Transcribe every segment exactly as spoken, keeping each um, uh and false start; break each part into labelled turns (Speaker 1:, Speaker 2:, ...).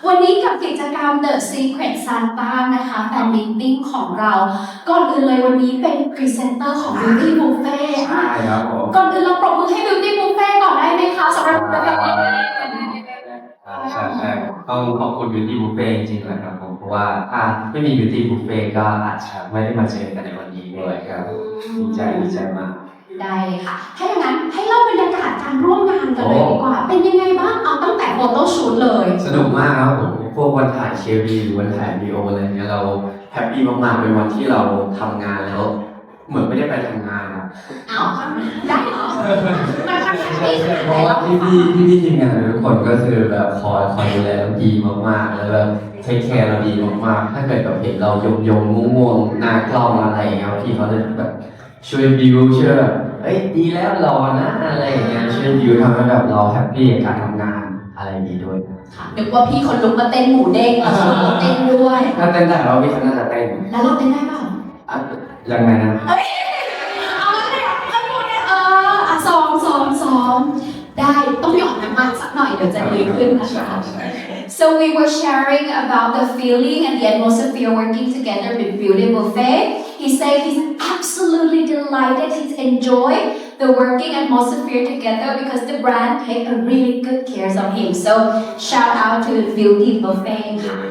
Speaker 1: วันนี้กับกิจกรรม The Secret Santa นะคะแฟนมิตติ้งของเราก่อนอื่นเลยวันนี้เป็นพรีเซนเตอร์ของ Beauty Buffet
Speaker 2: ใช่ครับผม
Speaker 1: ก่อนอื่นเราปรบมือให้ Beauty Buffet ก่อนได้ไหมคะสำหรับกิจกรรมนี้
Speaker 2: ใช่ใช่ต้องขอบคุณ Beauty Buffet จริงๆนะครับผมเพราะว่าถ้าไม่มี Beauty Buffet ก็อาจจะไม่ได้มาเจอกันในวันนี้ด้วยครับดีใจดีใจมาก
Speaker 1: ได้เลยค่ะถ้าอย่างนั้นให้เล่าบรรยากาศการร่วมงานกันเลยดีกว่าเป็นยังไงบ้างเอาตั้งแต่โฟโต้ชูตเลย
Speaker 2: สนุกมากครับผมพวกวันถ่ายเควีหรือวันถ่ายวีดีโออะไรเงี้ยเราแฮปปี้มากๆเป็นวันที่เราทำงานแล้วเหมือนไม่ได้ไปทำงานครับ
Speaker 1: อ้าวได้เหรอมาทำงานดี
Speaker 2: เพราะว่าพี่พี่พี่พี่ทีมงานทุกคนก็คือแบบคอยคอยดูแลเราดีมากๆแล้วแบบเทคแคร์เราดีมากๆถ้าเกิดแบบเห็นเรายมยมง่วงๆหน้ากล้องอะไรเงี้ยพี่เขาจะแบบช่วยบิวช่วยแบบเอ้ยดีแล้วรอนะอะไรอย่างเงี้ยช่วยบิวทำให้แบบเราแฮปปี้กับการทำงานอะไรอย่างงี้ด้วย
Speaker 1: นึกว่าพี่คนลุกมาเต้นหมูเด้งแล้วคนเต้นด้วย
Speaker 2: ถ้าเต้นได้เราพี่เขาน่าจะเต้น
Speaker 1: แล้วเราเต้นได้เปล่า
Speaker 2: ยังไงนะ
Speaker 1: เอ้ยเอาแล้วเนี่ยเอาหมดเนี่ยเอออ่ะซ้อมซ้อมซ้อมได้ต้องหยอดน้ำมันสักหน่อยเดี๋ยวจะดีขึ้นนะคะ So we were sharing about the feeling and the atmosphere working together with Beauty Buffet. He said he's absolutely delighted. He's enjoyed the working atmosphere together because the brand take a really good care of him. So shout out to Beauty Buffet.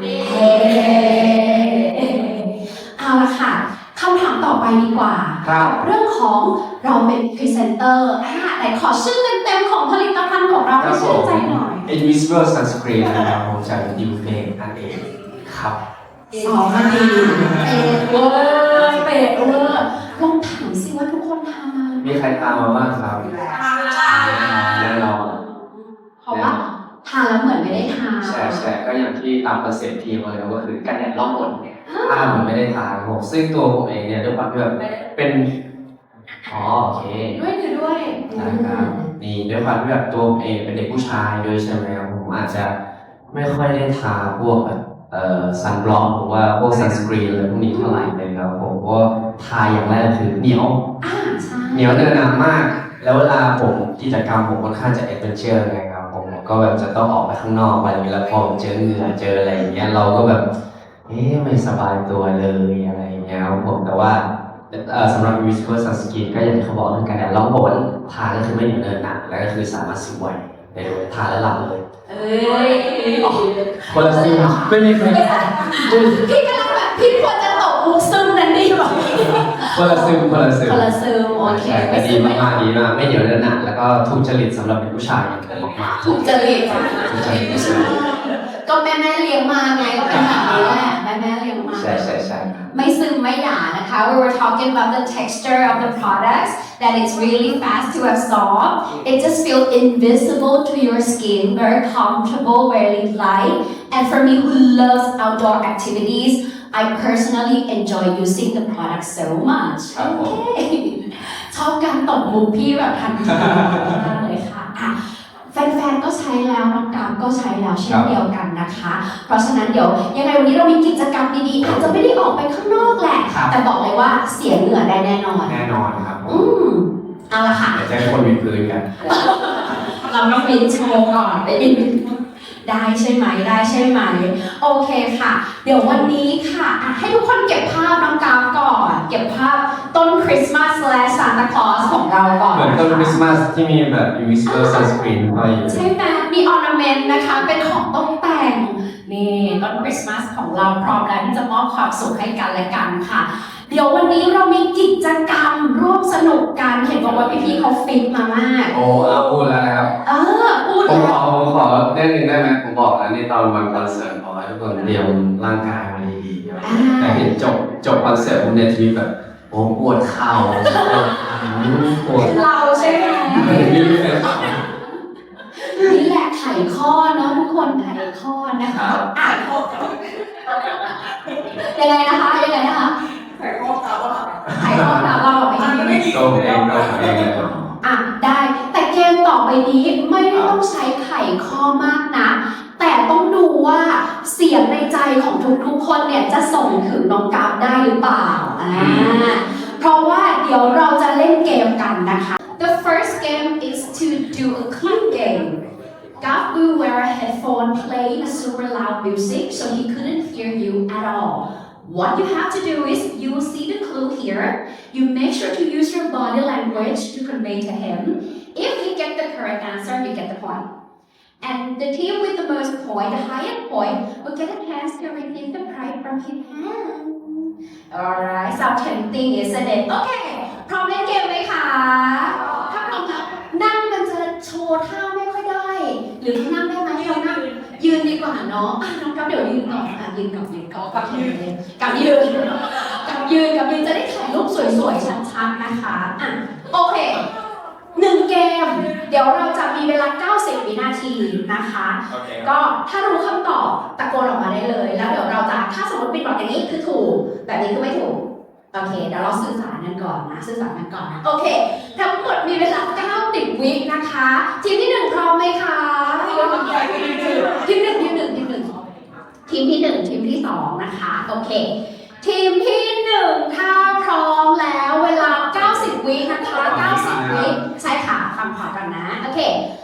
Speaker 1: เอาละค่ะคำถามต่อไปดีกว่าเรื่องของเราเป็นพรีเซนเตอร์ไหนขอชื่อเต็มๆของผลิตภัณฑ์ของเราให้ชื่นใจหน่อย
Speaker 2: Invisible Sunscreen นะครับผมจาก Beauty Buffet นั่นเองครับ
Speaker 1: สองนาทีเป๊ะเวอร์เป๊ะเวอร์ลองถามสิว่าทุกคนทำมา
Speaker 2: มีใครทำมาบ้างครับแน่นอน
Speaker 1: เพราะว่าทานแล้วเหมือนไม่ได้ทาน
Speaker 2: ใช่ใช่ก็อย่างที่ตามคอนเซ็ปต์ทีมเลยก็คือกันแดดล่องหนเนี่ยถ้าเหมือนไม่ได้ทานผมซึ่งตัวผมเองเนี่ยด้วยความที่แบบเป็นอ๋อโอเค
Speaker 1: ด้วยคือด้วย
Speaker 2: นะครับนี่ด้วยความที่แบบตัวผมเองเป็นเด็กผู้ชายด้วยใช่ไหมครับผมอาจจะไม่ค่อยได้ทาพวกแบบเอ่อซันบล็อกหรือว่าพวกซันสกรีนอะไรพวกนี้เท่าไหร่เลยครับผมเพราะทาอย่างแรกคือเหนียวเหนียวเนินหนามากแล้วเวลาผมกิจกรรมผมค่อนข้างจะแอดเวนเจอร์ไงครับผมก็แบบจะต้องออกไปข้างนอกไปแล้วพอเจอเหงื่อเจออะไรอย่างเงี้ยเราก็แบบเอ๊ะไม่สบายตัวเลยอะไรอย่างเงี้ยครับผมแต่ว่าสำหรับ Invisible Sunscreen ก็อย่างที่เขาบอกเรื่องการแดดล่องหนทาก็คือไม่เหนียวเนินหนาแล้วก็คือสามารถซึมไวได้เลยทาแล้วหลับเลย
Speaker 1: เอ้ย
Speaker 2: คนละซึมไม่มีใคร
Speaker 1: พี่กำลังแบบพี่ควรจะตกมุกซึมนั่นนี่แบบ
Speaker 2: คนละซึมคนละซึม
Speaker 1: คนละซึมโอเค
Speaker 2: แต่ดีมากๆดีมากไม่เหนียวเนินหนาแล้วก็ถูกจริตสำหรับเป็นผู้ชายอย่างที่บอกมา
Speaker 1: ถูกจริต
Speaker 2: ถูกจริต
Speaker 1: ก็แม่แม่เลี้ยงมาไงก็เป็นแบบนี้แหละแม่แม่เลี้ยงมา
Speaker 2: ใช่ใช่ใช่
Speaker 1: ไม่ซึมไม่หยานะคะ we were talking about the texture of the products that it's really fast to absorb it just feels invisible to your skin very comfortable very light and for me who loves outdoor activities I personally enjoy using the product so much ชอบการตบมุกพี่แบบทันทีมากเลยค่ะแฟนๆ ก็ใช้แล้วน้องกามก็ใช้แล้วเช่นเดียวกันนะคะเพราะฉะนั้นเดี๋ยวยังไงวันนี้เรามีกิจกรรมดีๆอาจจะไม่ได้ออกไปข้างนอกแหละแต่บอกเลยว่าเสียเหงื่อได้แน่นอน
Speaker 2: แน่นอนครับ
Speaker 1: อืมเอาละค่ะ
Speaker 2: เดี๋ยวจะให้คนวินพื้นกัน
Speaker 1: เราต้องวินโชว์ก่อนได้วินได้ใช่ไหมได้ใช่ไหมโอเคค่ะเดี๋ยววันนี้ค่ะให้ทุกคนเก็บภาพน้องกามก่อนเก็บภาพต้นคริสต์มาสและซานตาคลอสของเราก่อน
Speaker 2: เหมือนต้นคริสต์มาสที่มีแบบ Invisible Sunscreen ห้อยอยู่
Speaker 1: ใช่ไหมมีออร์นาเมนต์นะคะเป็นของตกแต่งนี่ต้นคริสต์มาสของเราพร้อมแล้วที่จะมอบความสุขให้กันและกันค่ะเดี๋ยววันนี้เรามีกิจกรรมร่วมสนุกกันเห็นบอกว่าพี่ๆเขาฟิตมามาก
Speaker 2: โอ้เอาพูดแล้วนะครับ
Speaker 1: เออพูด
Speaker 2: ผมขอผมขอได้หนึ่งได้ไหมผมบอกแล้วในตอนวันคอนเสิร์ตขอให้ทุกคนเตรียมร่างกายมาดีๆแต่เห็นจบจบคอนเสิร์ตผมในทีวีแบบโอ้ปวดเข่าปวด
Speaker 1: เราใช่ไหมนี่แหละไขข้อเนาะทุกคนไขข้อนะคะอ่านข้อยังไงนะคะยังไงนะคะไขข้อตาว่าไขข้อตาว่าไม่ดี
Speaker 2: ก็เองก็เอง
Speaker 1: อ่ะได้แต่เกมต่อไปนี้ไม่ได้ต้องใช้ไขข้อมากนะแต่ต้องดูว่าเสียงในใจของทุกๆคนเนี่ยจะส่งถึงน้องกราฟได้หรือเปล่าอ่าเพราะว่าเดี๋ยวเราจะเล่นเกมกันนะคะ The first game is to do a clip game Gav will wear a headphone playing a super loud music so he couldn't hear you at all. What you have to do is you will see the clue here. You make sure to use your body language to convey to him. If he gets the correct answer, you get the point. And the team with the most point, the highest point, will get a chance to receive the prize from his hand. Alright, so tempting, isn't it? Okay, พร้อมเล่นเกมไหมคะถ้าพร้อมแล้วนั่งมันจะโชว์ท่าไม่ค่อยได้ หรือนั่งได้ไหมเรานั่งยืนดีกว่าเนาะอ่ะน้องกับเดี๋ยวยืนก่อนอ่ะยืนกับยืนก่อนกับยืนเลยกับยืนกับยืนกับยืนจะได้ถ่ายรูปสวยๆชัดๆนะคะอ่ะโอเคหนึ่งเกม เดี๋ยวเราจะมีเวลาเก้าสิบวินาทีนะคะ ก็ถ้ารู้คำตอบตะโกนออกมาได้เลย แล้วเดี๋ยวเราจะถ้าสมมติปิดบอกอย่างนี้คือถูกแบบนี้คือไม่ถูกโอเคเดี๋ยวเราสื่อสารกันก่อนนะสื่อสารกันก่อนนะโอเคทั้งหมดมีเวลาเก้าสิบวินะคะทีมที่หนึ่งพร้อมไหมคะทีมหนึ่งทีมหนึ่งทีมหนึ่งทีมที่หนึ่งทีมที่สองนะคะโอเคทีมที่หนึ่งถ้าพร้อมแล้วเวลาเก้าสิบวินะคะเก้าสิบวิใช่ค่ะฟังขอกันนะโอเค